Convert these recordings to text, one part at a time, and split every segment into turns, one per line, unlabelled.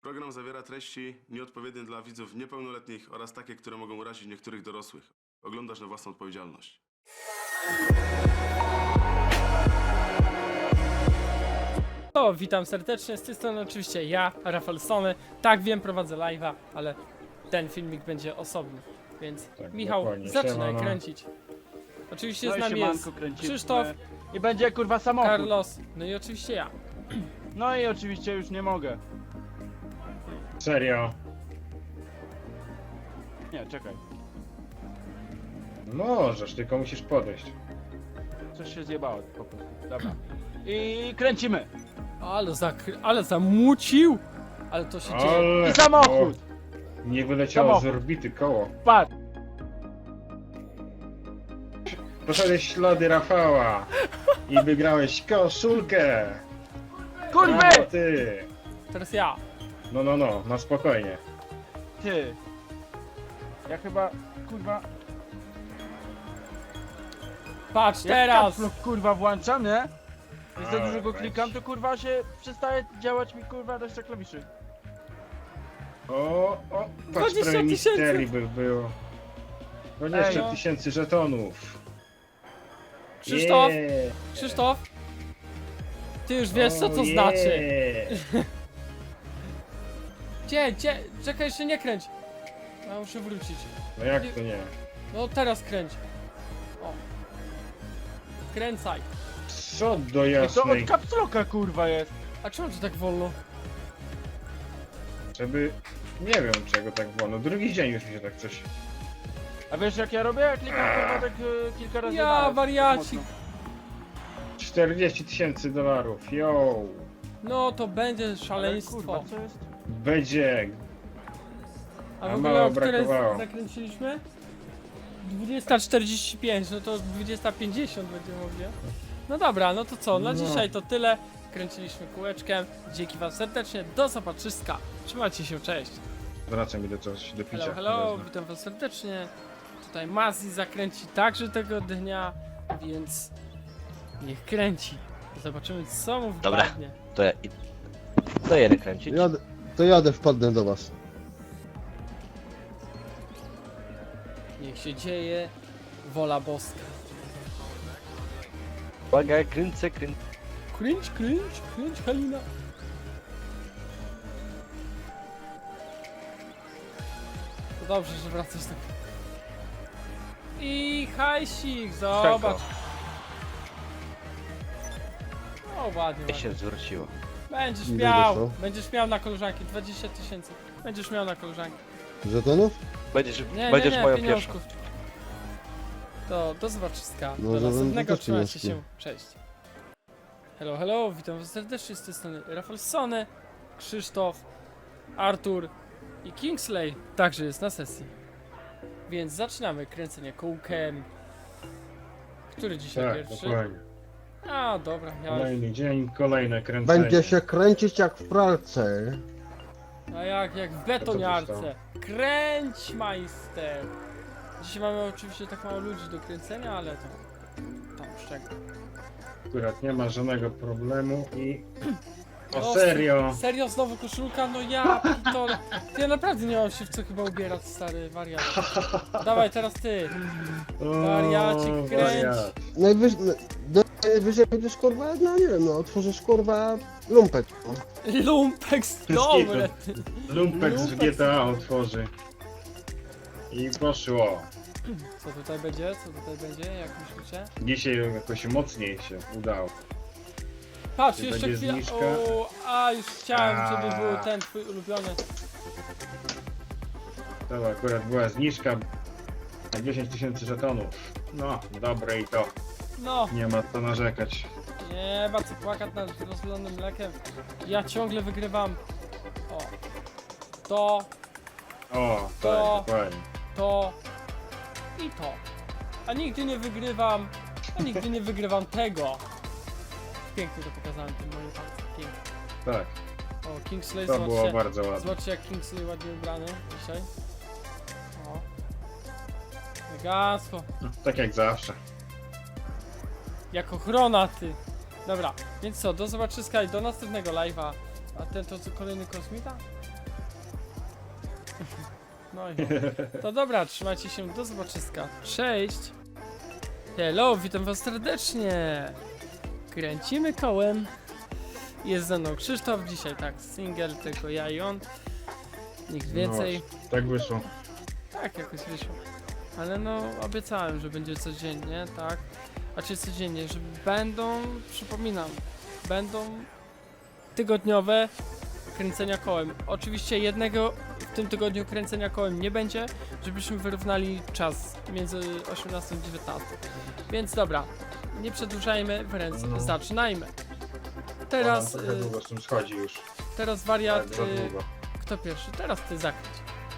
Program zawiera treści nieodpowiednie dla widzów niepełnoletnich oraz takie, które mogą urazić niektórych dorosłych. Oglądasz na własną odpowiedzialność.
No, witam serdecznie, z tej strony oczywiście ja, Rafał Sony. Tak, wiem, prowadzę live'a, ale ten filmik będzie osobny, więc
Tak,
Michał,
dokładnie.
zaczynaj
Siemano.
kręcić. Oczywiście
No
z
i
nami
siemanko,
jest
kręcimy.
Krzysztof,
I będzie kurwa samochód.
Carlos, no i oczywiście ja.
No i oczywiście już nie mogę.
Serio?
Nie, czekaj.
Możesz, tylko musisz podejść.
Coś się zjebało po prostu. Dobra. I kręcimy.
Ale zamucił! Ale to się dzieje.
Ale...
I samochód.
O, nie wyleciało
Samochód.
z orbity koło.
Patrz.
Poszedłeś ślady Rafała i wygrałeś koszulkę.
Kurwy!
Brawo, ty.
Teraz ja.
No, na spokojnie.
Ty. Ja chyba, kurwa...
Patrz,
Jak
teraz!
caps lock, kurwa włączam, nie? I za
A,
dużo go
weź.
klikam, to kurwa się przestaje działać mi kurwa reszta klawiszy.
O, patrz,
20
prawie
000.
misteri by było. 20
Ej, no.
000 żetonów.
Krzysztof,
Yeah.
Krzysztof, ty już wiesz co to
O,
znaczy.
yeah.
Gdzie? Czekaj, jeszcze nie kręć. Ja muszę wrócić.
No jak to nie?
No teraz kręć. O. Kręcaj.
Co do
I to
jasnej.
od caps locka kurwa jest.
A czemu to tak wolno?
Żeby... Nie wiem czego tak było, no drugi dzień już mi się tak coś...
A wiesz jak ja robię? Ja klikam kurwa tak kilka razy
Ja,
naraz,
wariacik.
mocno.
40 000 dolarów, yo!
No to będzie
Ale
szaleństwo.
kurwa, co jest?
Będzie!
A w
A
ogóle
mało
o której
brakowało.
zakręciliśmy? 20:45, no to 20:50 będzie mówię. No dobra, no to co, na
No.
dzisiaj to tyle. Kręciliśmy kółeczkiem. Dzięki wam serdecznie, do zobaczyska. Trzymajcie się, cześć.
Wraca mi do coś do picia.
Hello, witam was serdecznie. Tutaj Mazzi zakręci także tego dnia, więc niech kręci. Zobaczymy co mu
Dobra.
wpadnie.
To ja to jedę kręcić.
Jadę, wpadnę do was.
Niech się dzieje wola boska.
Uwaga, kręcę.
Kręć, Halina. To dobrze, że wracasz tak. I hajsik, zobacz. O, ładnie,
Ja się
ładnie.
zwróciło.
Będziesz
Ile
miał,
doszło?
będziesz miał na koleżanki, 20 000. Będziesz miał na koleżanki.
Żetonów?
Będziesz moją pierwszą.
pieniążków. To do zobaczyska.
No,
Do
że
następnego,
będę też
trzymajcie się.
pieniążki.
Cześć. Hello, witam was serdecznie z tej strony Rafał Sony, Krzysztof, Artur i Kingsley także jest na sesji. Więc zaczynamy kręcenie kółkiem. Który dzisiaj
Tak,
pierwszy?
dokładnie.
A, dobra, ja już.
Kolejny dzień, kolejne kręcenie.
Będzie się kręcić jak w pralce.
A jak w betoniarce. Kręć, majster! Dzisiaj mamy oczywiście tak mało ludzi do kręcenia, ale to tam szczegół.
Akurat nie ma żadnego problemu i...
No,
O serio!
Serio, znowu koszulka? No ja pitole. Ja naprawdę nie mam się w co chyba ubierać, stary wariat. Dawaj, teraz ty.
O,
Wariacik, kręć.
wariat.
Najwyżej będziesz kurwa, no nie wiem, no otworzysz kurwa lumpek.
Lumpex, dobre. ty.
Lumpek z
Lumpek.
GTA otworzy. I poszło.
Co tutaj będzie? Jak myślicie?
Dzisiaj jakoś mocniej się udało.
Patrz,
Czy
jeszcze
będzie
chwila.
zniżka?
O, już chciałem, żeby
A.
był ten twój ulubiony.
To akurat była zniżka na 10 000 żetonów. No, dobre i to.
No,
Nie ma co narzekać.
nie ma co płakać nad rozlonym mlekiem. Ja ciągle wygrywam. O. To,
O,
To-
tak, dokładnie.
to i to. A nigdy nie wygrywam tego. Pięknie to pokazałem tym moim palcem. Pięknie.
Tak,
O, Kingsley,
to było
zobaczcie.
bardzo ładne.
Zobaczcie jak Kingsley ładnie ubrany dzisiaj. O. Elegancko.
No, tak jak zawsze.
Jak ochrona ty. Dobra, więc co, do zobaczyska i do następnego live'a. A ten to co, kolejny kosmita? No i to dobra, trzymajcie się, do zobaczyska. Cześć! Hello, witam was serdecznie! Kręcimy kołem. Jest ze mną Krzysztof, dzisiaj tak, single, tylko ja i on. Nikt więcej.
No, tak wyszło.
Tak, jakoś wyszło. Ale no, obiecałem, że będzie codziennie, tak? A czy codziennie, że będą, przypominam, będą tygodniowe kręcenia kołem. Oczywiście jednego w tym tygodniu kręcenia kołem nie będzie, żebyśmy wyrównali czas między 18 a 19. Więc dobra, nie przedłużajmy, wręcz zaczynajmy. Teraz,
Trochę długo z tym schodzi już.
teraz wariat,
Tak, za długo.
kto pierwszy? Teraz ty zakręć.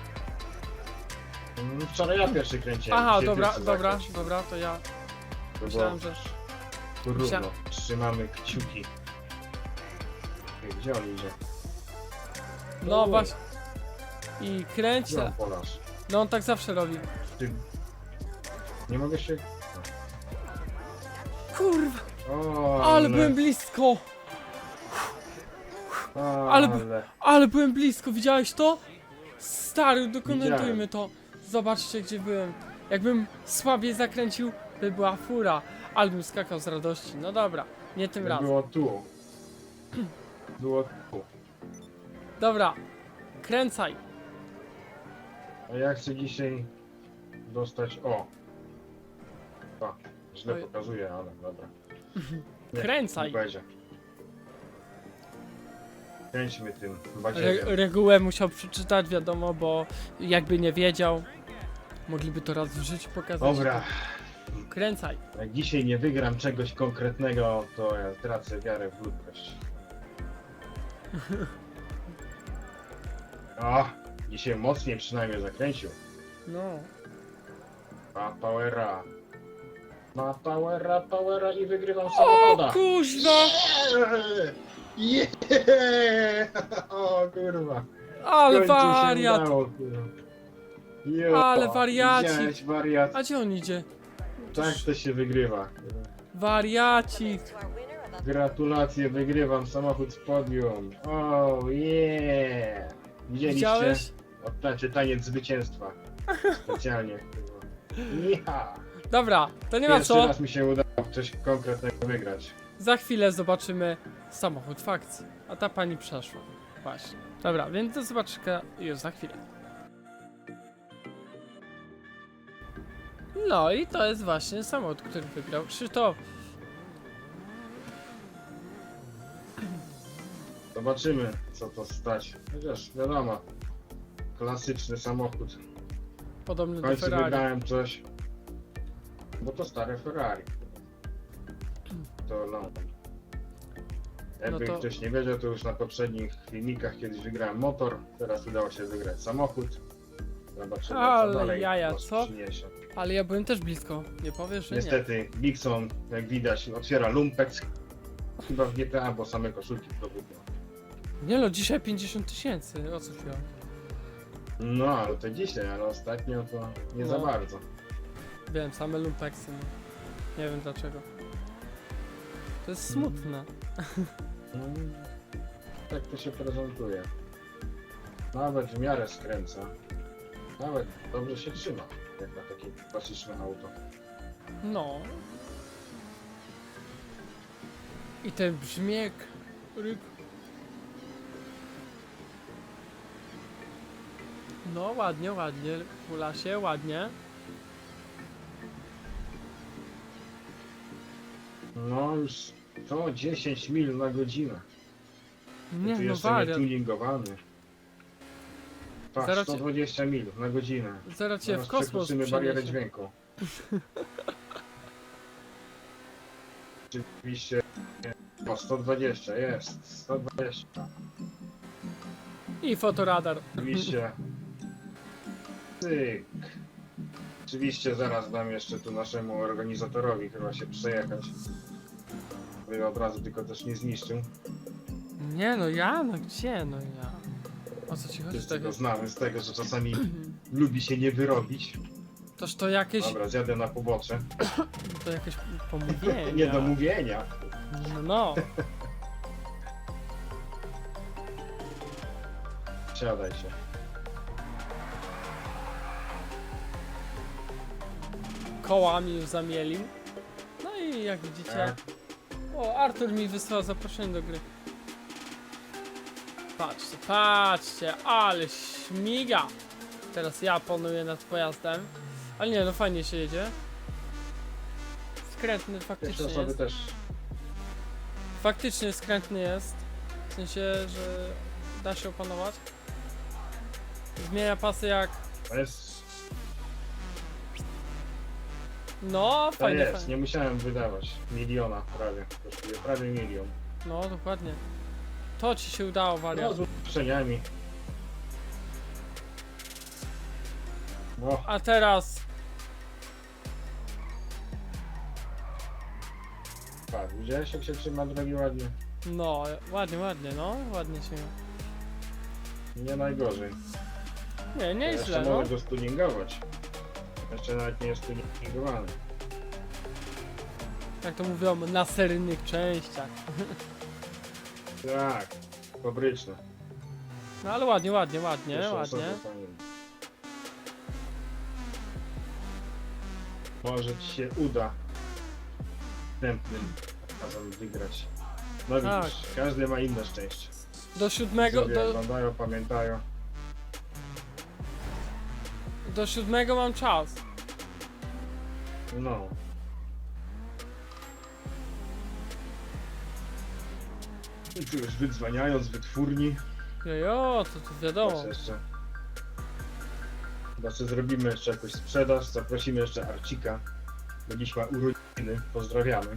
Wczoraj ja pierwszy kręciłem.
Aha,
dzisiaj
dobra,
ty chcesz
dobra,
zakręcić.
dobra, to ja
To
myślałem,
było
że...
Równo. Trzymamy kciuki. Gdzie on idzie?
No
O,
właśnie. I kręć.
Gdzie on polasz?
No on tak zawsze robi.
Ty... Nie mogę się...
Kurwa,
O,
ale byłem blisko.
ale...
Ale byłem blisko, widziałeś to? Stary, dokumentujmy
Widziałem.
to. Zobaczcie gdzie byłem. Jakbym słabiej zakręcił, by była fura. Albym skakał z radości. No dobra, nie tym razem.
Było tu. Było tu.
Dobra, kręcaj.
A ja chcę dzisiaj dostać... O! A, źle
Oj.
pokazuje, ale dobra. Nie,
Kręcaj.
nie będzie. Kręćmy tym badziewiem.
Regułę musiał przeczytać, wiadomo, bo jakby nie wiedział, mogliby to raz w życiu pokazać.
Dobra,
Kręcaj.
jak dzisiaj nie wygram czegoś konkretnego, to ja tracę wiarę w ludzkość. O! Dzisiaj mocniej przynajmniej zakręcił.
No.
Ma powera. Ma powera i wygrywam
O
samochoda.
kuźwa!
Yeah! O kurwa.
Ale
W końcu się
wariat!
udało, kurwa. Jo,
Ale wariacik.
widziałeś, wariat.
A gdzie on idzie?
Tak to się wygrywa.
Wariacik!
Gratulacje, wygrywam samochód z podium. Oh yeah! Widzieliście?
Widziałeś?
Znaczy taniec zwycięstwa. Specjalnie. Ja.
Dobra, to nie ma
Pierwszy
co.
raz mi się udało coś konkretnego wygrać.
Za chwilę zobaczymy samochód w akcji. A ta pani przeszła. Właśnie. Dobra, więc do zobaczenia już za chwilę. No i to jest właśnie samochód, który wygrał Krzysztof.
Zobaczymy, co to stać. Chociaż wiadomo, klasyczny samochód.
Podobny
W
do
końcu
Ferrari.
wygrałem coś, bo to stare Ferrari. To no. Jakby
No to-
ktoś nie wiedział, to już na poprzednich filmikach kiedyś wygrałem motor, teraz udało się wygrać samochód. Zobaczymy,
Ale
co dalej
jaja,
nos
co?
przyniesie.
Ale ja byłem też blisko. Nie powiesz, że nie.
Niestety, Bigson, jak widać, otwiera lumpex. Chyba w GTA, bo same koszulki produkują.
Nie no, dzisiaj 50 000. O co chwilę?
No, ale to dzisiaj, ale ostatnio to nie za
No.
bardzo.
Wiem, same lumpeksy. No. Nie wiem dlaczego. To jest smutne.
No, tak to się prezentuje. Nawet w miarę skręca. Nawet dobrze się trzyma, jak na takie klasyczne auto.
No. I ten brzmiek. Ryk. No ładnie, ładnie. Hula się ładnie.
No już to 10 mil na godzinę.
Nie
Tu
no
jeszcze nie
wariat.
tuningowany. Patrz,
Zaraz cię-
120 mil na godzinę.
Zaraz cię
Zaraz
w kosmos
przekroczymy barierę
przeniesie.
dźwięku. Oczywiście. O, 120 jest. 120.
I fotoradar.
Oczywiście. Cyk. Oczywiście zaraz dam jeszcze tu naszemu organizatorowi chyba się przejechać. By od razu tylko też nie zniszczył.
Nie no ja, no gdzie no ja? O co ci chodzi
Wszyscy
tak?
go znamy z tego, że czasami lubi się nie wyrobić.
Toż to jakieś,
Dobra, zjadę na pobocze.
to jakieś pomówienie.
Nie do mówienia.
No.
Siadaj się.
kołami już zamielił. No i jak widzicie... O, Artur mi wysłał zaproszenie do gry. Patrzcie, patrzcie, ale śmiga! Teraz ja panuję nad pojazdem. Ale nie, no fajnie się jedzie. Skrętny
Pierwsze
faktycznie
osoby
jest.
też.
Faktycznie skrętny jest. W sensie, że da się opanować. Zmienia pasy jak...
To jest,
No,
to
fajnie,
jest.
fajnie.
Nie musiałem wydawać miliona prawie. Kosztuje prawie milion.
No, dokładnie. To ci się udało,
No,
wariat.
z ulepszeniami. No,
A teraz...
patrz, widziałeś jak się trzyma drogi ładnie?
No, ładnie, ładnie, no. Ładnie się...
Nie najgorzej.
Nie, nie jest
Jeszcze
źle, no.
mogę go stuningować. Jeszcze nawet nie jest stuningowany.
Jak to mówią, na seryjnych częściach.
Tak, fabryczne.
No ale ładnie, ładnie, ładnie,
Pierwsze
ładnie.
osoby fajnie. Może ci się uda następnym razem wygrać. No
Tak.
widzisz, każdy ma inne szczęście.
Do siódmego,
Widzowie oglądają, pamiętają.
do siódmego mam czas.
No. I tu już wydzwaniają z wytwórni.
Jojo, to wiadomo.
Teraz jeszcze. Znaczy zrobimy jeszcze jakąś sprzedaż, zaprosimy jeszcze Arcika. Bo dziś ma urodziny, pozdrawiamy.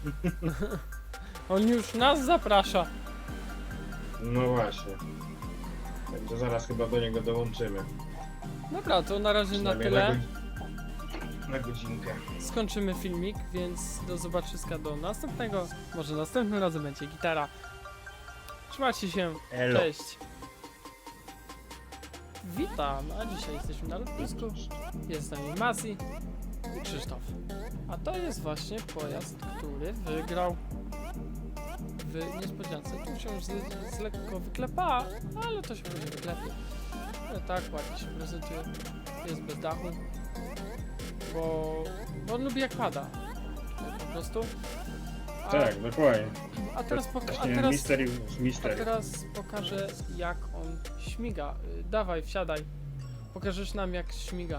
On już nas zaprasza.
No właśnie. Także zaraz chyba do niego dołączymy.
Dobra, to na razie na
Przynajmniej
tyle.
Na godzinkę.
Skończymy filmik, więc do zobaczyska do następnego. Może następnym razem będzie gitara. Trzymajcie się.
Elo.
Cześć. Witam, a dzisiaj jesteśmy na lotnisku. Jest z nami Masi i Krzysztof. A to jest właśnie pojazd, który wygrał w niespodziance. Tu się już z lekko wyklepa, ale to się będzie wyklepie. Ale tak, ładnie się prezentuje. Jest bez dachu. Bo on lubi jak pada. Po prostu. A,
Tak, dokładnie.
a teraz,
Właśnie
a
Mystery.
teraz pokażę jak on śmiga. Dawaj, wsiadaj. Pokażesz nam jak śmiga.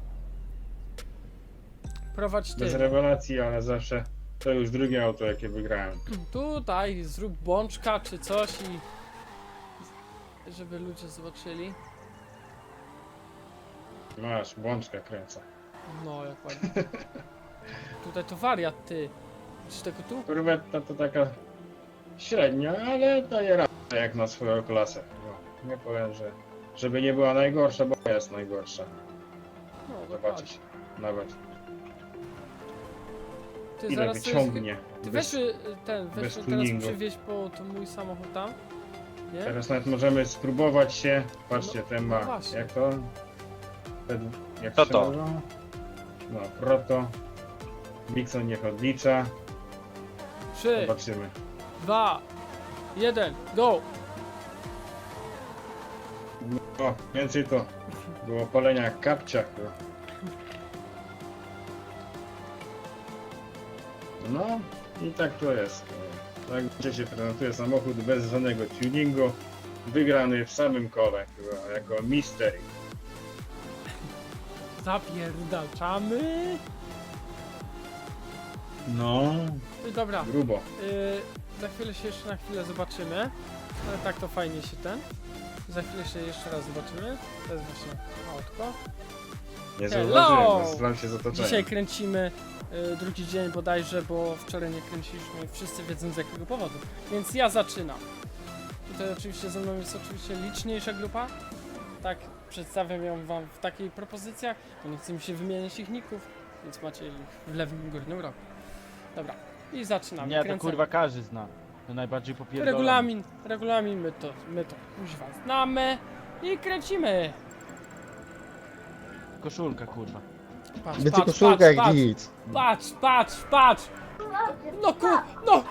Prowadź
Bez
ty.
rewelacji, ale zawsze to już drugie auto jakie wygrałem.
Tutaj zrób bączka czy coś i żeby ludzie zobaczyli.
Masz, błączka kręcę.
No jak ładnie. Tutaj to wariat ty. Czy tego tu?
Korwetta to taka średnia, ale daje radę jak na swoją klasę. No, nie powiem, że żeby nie była najgorsza, bo jest najgorsza.
No
Zobaczysz nawet
Ty
ile
zaraz sobie-
wyciągnie.
Ty
Bez-
weź ten, weź
bez
teraz
tuningu.
przywieź po to mój samochód tam. Nie?
Teraz nawet możemy spróbować się. Patrzcie,
No,
ten
no
ma.
właśnie.
Jak to? Jak
To
się
to.
nazywa? No, proto. Dixon niech odlicza.
3,
Zobaczymy.
2, 1, go!
O, więcej to było palenia jak kapcia chyba. No i tak to jest. Tak gdzie się prezentuje samochód bez żadnego tuningu. Wygrany w samym kole chyba, jako mystery.
Zapierdalczamy.
No,
Dobra,
grubo.
za chwilę się jeszcze na chwilę zobaczymy. Ale tak to fajnie się ten. Za chwilę się jeszcze raz zobaczymy. To jest właśnie autko.
Nie
Hello!
zauważyłem, zastanawiam się z otoczeniem.
Dzisiaj kręcimy drugi dzień bodajże, bo wczoraj nie kręciliśmy. Wszyscy wiedzą z jakiego powodu. Więc ja zaczynam. Tutaj oczywiście ze mną jest oczywiście liczniejsza grupa. Tak, przedstawiam ją wam w takich propozycjach, bo nie chcę mi się wymieniać ich ników, więc macie ich w lewym górnym rogu. Dobra, i zaczynamy.
Nie, to
Kręcę.
kurwa każdy zna. To najbardziej popierdolone.
Regulamin, my to kuźwa znamy i kręcimy.
Koszulka kurwa.
Patrz,
Będzie
patrz,
koszulka
patrz,
jak
patrz,
nic.
patrz. No no,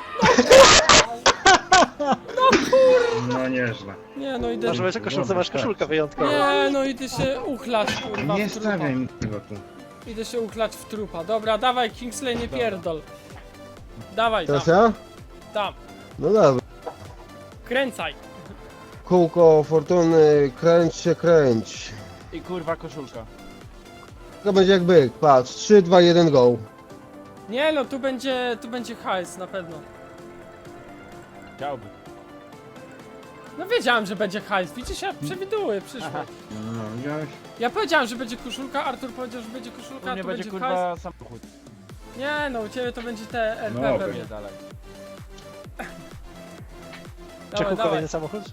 No nieźle.
nie no idę,
Może masz koszulkę wyjątkowa.
nie no idę się uchlać kurwa
Nie
w trupa.
stawiaj mi tego tu.
Idę się uchlać w trupa. Dobra, dawaj Kingsley, nie pierdol. Dawaj,
Teraz
tam,
ja?
tam.
No dobra.
Kręcaj.
Kółko fortuny, kręć się, kręć.
I kurwa koszulka.
To będzie jak byk, patrz, 3, 2, 1, go.
Nie no, tu będzie hajs na pewno.
Chciałby.
No wiedziałem, że będzie hajs. Widzisz, ja przewiduję przyszłość.
No, widziałeś?
Ja powiedziałem, że będzie koszulka, Artur powiedział, że będzie
U
koszulka,
mnie
tu
będzie
będzie
kurwa
hajs.
samochód.
Nie no, u ciebie to będzie te RP
No,
pewnie.
Nie dalej.
Dawaj,
Czeku
dawaj.
kolejny samochód?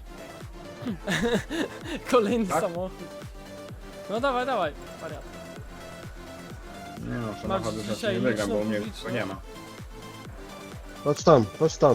Kolejny
Tak?
samochód. No dawaj, dawaj, wariat.
Nie no, samochodu
Masz
też
dzisiaj
nie wygram, bo u mnie
publiczną.
go nie ma.
Chodź tam, chodź tam.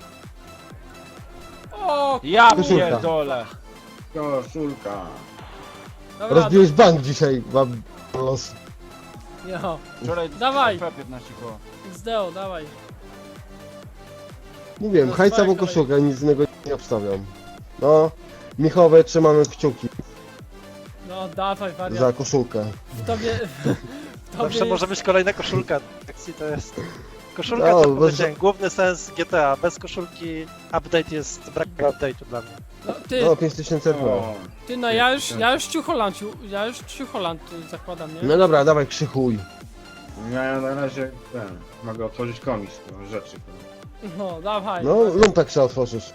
O,
Ja
Koszulka.
pierdolę.
Koszulka.
dobra,
Rozbiłeś bank dzisiaj, mam los.
Jo,
Wczoraj
Dawaj.
15 koło.
XDO, dawaj.
Mówiłem,
To
hajca
twoja
bo
kolej.
koszulkę, nic innego nie obstawiam. No, Michowe, trzymamy kciuki
No dawaj, wariat.
za koszulkę.
W tobie... W tobie
Zawsze może być kolejna koszulka. Akcji to jest... Koszulka
No,
to
bo-
będzie główny sens GTA. Bez koszulki update jest brak update'u dla mnie.
No, ty,
No, 5000 RP.
O,
ty, no ja już ciucholand zakładam, nie?
No dobra, dawaj krzychuj.
ja na razie mogę otworzyć komis do rzeczy.
No, dawaj.
No, lumpek trzeba otworzyć.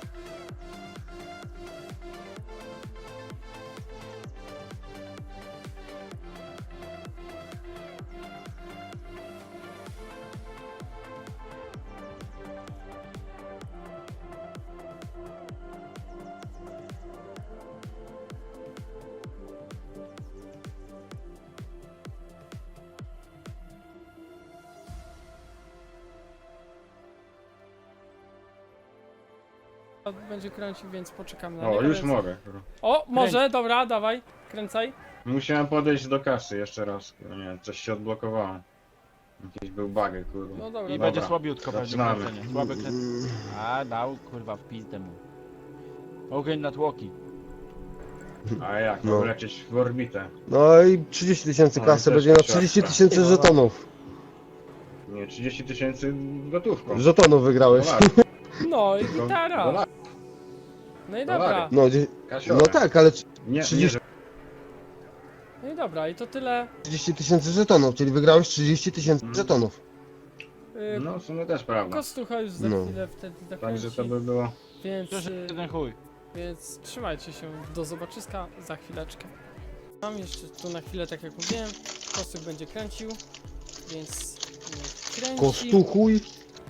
Będzie kręcił, więc poczekamy na
O,
niego.
już
więc-
mogę.
O, może, dobra, dawaj, kręcaj.
Musiałem podejść do kasy jeszcze raz. No nie, coś się odblokowało. Jakiś był bug, kurwa.
No dobra,
I
dobra.
będzie słabiutko, będzie
zaczynamy.
kręcenie. Słabe kręcenie. A, dał kurwa w pizdę mu. Ogień na tłoki.
A jak,
No.
no. lecieć w orbitę.
No i 30 tysięcy
No i
kasy,
też
będzie na
trzeba
30
sprawdzić.
tysięcy żetonów.
Nie, 30 tysięcy gotówką.
Żetonów wygrałeś.
Dolarów.
No i
Tylko
gitara.
dolarów.
No i
Dolary.
dobra.
No,
Kasiowe.
no tak, ale
Nie,
30
nie, że...
No i dobra, i to tyle.
30 tysięcy żetonów, czyli wygrałeś 30 tysięcy żetonów.
No, w sumie też prawda.
Kostucha już za
No.
chwilę wtedy
Także to
zakręci.
by było...
Więc,
To jest jeden chuj.
więc trzymajcie się, do zobaczyska za chwileczkę. Mam jeszcze tu na chwilę, tak jak mówiłem, Kostuk będzie kręcił, więc niech kręci.
Kostuchuj.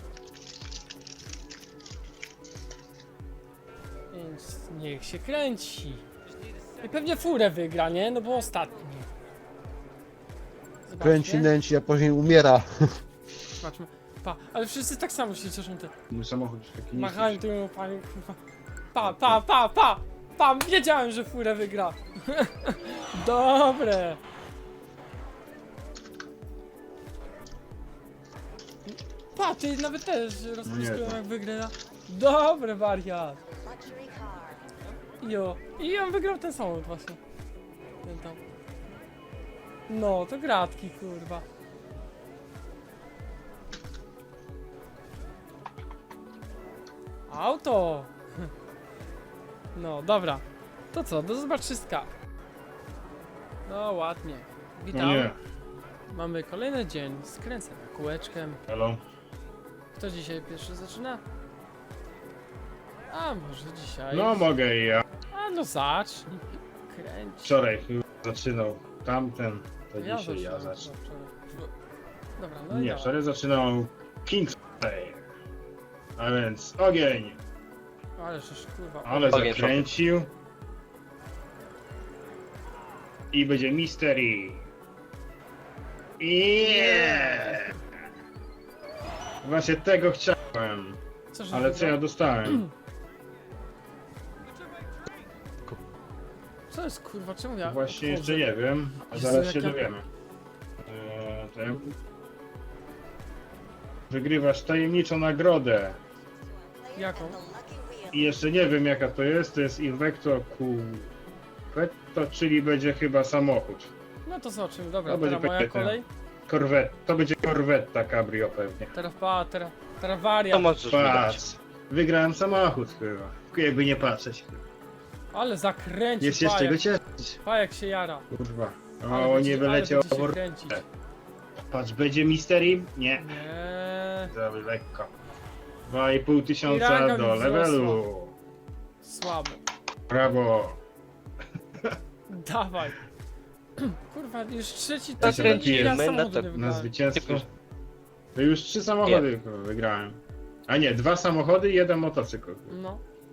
Więc niech się kręci. I pewnie furę wygra, nie? No bo ostatni. Zobaczcie.
Kręci, nęci, a później umiera.
Zobaczmy. Pa, ale wszyscy tak samo się cieszą te.
Mój samochód już taki
Machają
niski.
tymi łapami, kurwa. Pa! Wiedziałem, że furę wygra. Dobre. Pa, ty nawet też rozpisują
to.
jak wygra. Dobre, wariat. Jo. I on wygrał ten samochód właśnie. Ten tam. No, to gratki, kurwa. Auto! No, dobra. To co, do zobaczyska. No, ładnie.
No
Witam.
nie,
Mamy kolejny dzień. Skręcamy kółeczkiem.
hello.
Kto dzisiaj pierwszy zaczyna? A może dzisiaj?
No mogę i ja.
A no zacznij. Kręć.
Wczoraj zaczynał tamten, to
Ja
dzisiaj ja
zaczynam,
zacznę.
Dobra, no i
Nie,
dawaj.
wczoraj zaczynał Kingsley. A więc ogień.
Ale już kurwa.
Ale
Ogień,
zakręcił. I będzie mystery. Yeah! Właśnie tego chciałem.
Co, że
Ale co ja dostałem?
Co jest kurwa, czemu ja
Właśnie
chodzę?
jeszcze nie wiem, a
Jezu,
zaraz
jak
się
ja-
dowiemy. Wygrywasz tajemniczą nagrodę.
Jaką?
I jeszcze nie wiem jaka to jest Invecto Coupetto, czyli będzie chyba samochód.
No to zobaczymy, dobra,
No, będzie
teraz moja
pakiety.
kolej.
To będzie korwetta cabrio pewnie.
Teraz wariat.
To możesz wydać.
Patrz. Wygrałem samochód chyba. Jakby nie patrzeć.
Ale zakręcił,
Jest jeszcze go cieszyć.
Pajek się jara.
Kurwa.
Ale
O,
będzie-
nie
ale
wyleciał.
będzie się kręcić.
Patrz, będzie Mystery? Nie.
Nie,
Za lekko. 2,5 tysiąca
Piranga
do
mi
levelu.
słabo.
Brawo.
Dawaj. Kurwa, już trzeci
Ja się napiję.
raz
My na
samochodu
to-
nie
Na
wygrałem.
zwycięstwo. To już 3 samochody kurwa, wygrałem. A nie, 2 samochody i 1 motocykl.
No.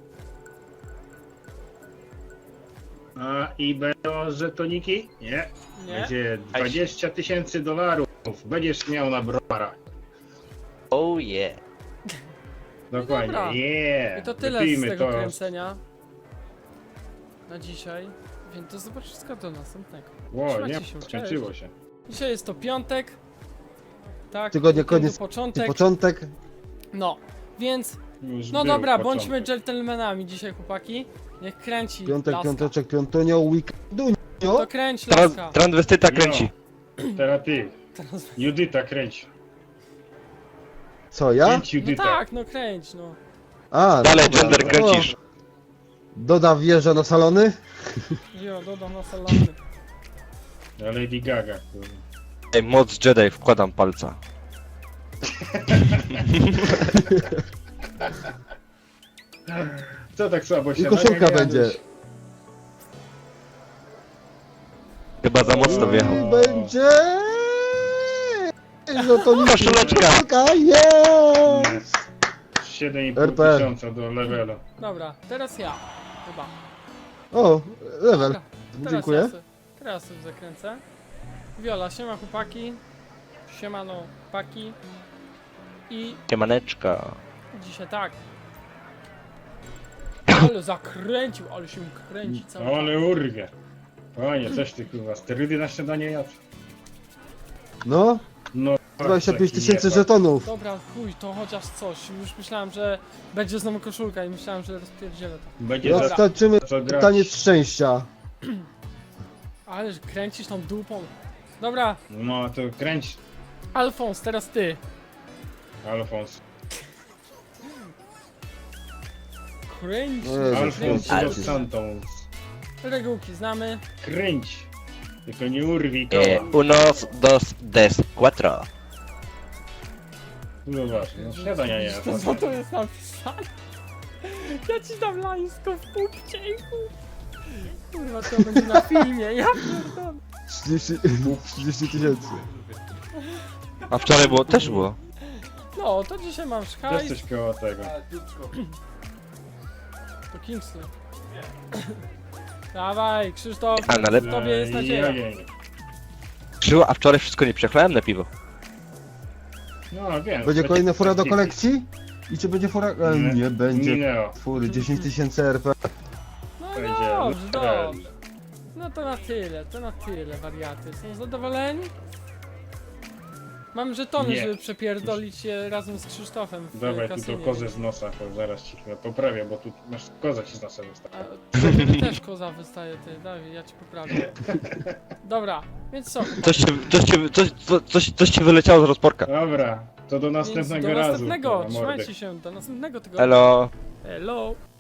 A i będą żetoniki? Nie.
Nie?
Będzie 20 tysięcy dolarów. Będziesz miał na browara.
Oh yeah.
Dokładnie.
dobra.
Yeah.
I to tyle z
Wypijmy
tego
to.
kręcenia. Na dzisiaj. Więc do zobaczenia do następnego.
Ło,
Trzymajcie
nie,
się,
skończyło
cześć.
się.
Dzisiaj jest to piątek. Tak,
Tygodnia
weekendu
koniec i
początek.
początek.
No, więc
Już
no
był
dobra,
początek.
bądźmy dżentelmenami dzisiaj, chłopaki. Niech kręci
Piątek,
laska.
piąteczek, piątunio, weekendunio.
To kręć laska.
Transwestyta kręci.
Teraz ty.
Teraz...
Judyta kręć.
Co, ja?
Kręć
No
Judyta.
tak, no kręć, no.
A,
Dalej
dobra,
gender
no.
kręcisz.
Doda wjeżdża na salony.
Jo, dodam na salony.
Na Lady Gaga. kurwa.
Ej, moc Jedi, wkładam palca.
Co tak słabo się
I koszulka
naganiałeś?
będzie.
Chyba za mocno wjechał.
I będzie... No to nie
Koszuleczka.
jest!
7,5
RP.
tysiąca do levelu.
Dobra, teraz ja. Chyba.
O, level.
Dobra, teraz
Dziękuję.
Ja teraz sobie zakręcę. Wiola, siema chłopaki. Siemano chłopaki. I
Siemaneczka.
dzisiaj tak. Ale zakręcił, ale się kręci cały
No
czas.
ale urwie. Panie, coś ty kurwa, sterydy na śniadanie jadł?
No,
No,
25
taki
tysięcy
jebak.
żetonów.
Dobra, chuj, to chociaż coś. Już myślałem, że będzie znowu koszulka i myślałem, że rozpierdzielę to.
Będzie za
Roztaczymy
co grać.
taniec szczęścia.
Ale że kręcisz tą dupą. Dobra,
No to kręć,
Alfons, teraz ty.
Alfons.
Kręć,
Jezu,
Alfons
kręć.
dos Santos.
regułki znamy.
Kręć. Tylko nie urwij koła.
Unos, dos, des, cuatro.
No właśnie, no śniadania nie jadł.
To co to jest napisane? Ja ci dam lańsko w pupcie i kurwa, to będzie na filmie, ja pierdolę.
30 tysięcy.
A wczoraj było, też było.
No, to dzisiaj mam
Też
szkajs.
coś koło tego.
To Kingsley. Dawaj, Krzysztof,
A, ale-
w tobie jest nadzieja.
Ojej.
Krzyło, a wczoraj wszystko nie przechlałem na piwo.
No wiem.
Będzie kolejna fura do kolekcji? I czy będzie fura? Nie będzie.
Mineo.
Fury, 10 tysięcy RP.
No
Będzie
dobrze,
level.
dobrze. No to na tyle, wariaty. Są zadowoleni? Mam żetony,
Nie.
żeby przepierdolić je razem z Krzysztofem w
Dawaj tu
kasynie.
to kozę z nosa, to zaraz ci chyba poprawię, bo tu masz koza ci z nosa wystawa.
A tobie też koza wystaje, ty, Dawid, ja ci poprawię. Dobra, więc co?
Coś ci wyleciało z rozporka.
Dobra, to do
Więc
następnego
do
razu.
następnego,
kurwa, mordy.
trzymajcie się, do następnego tygodnia.
Elo.
Hello.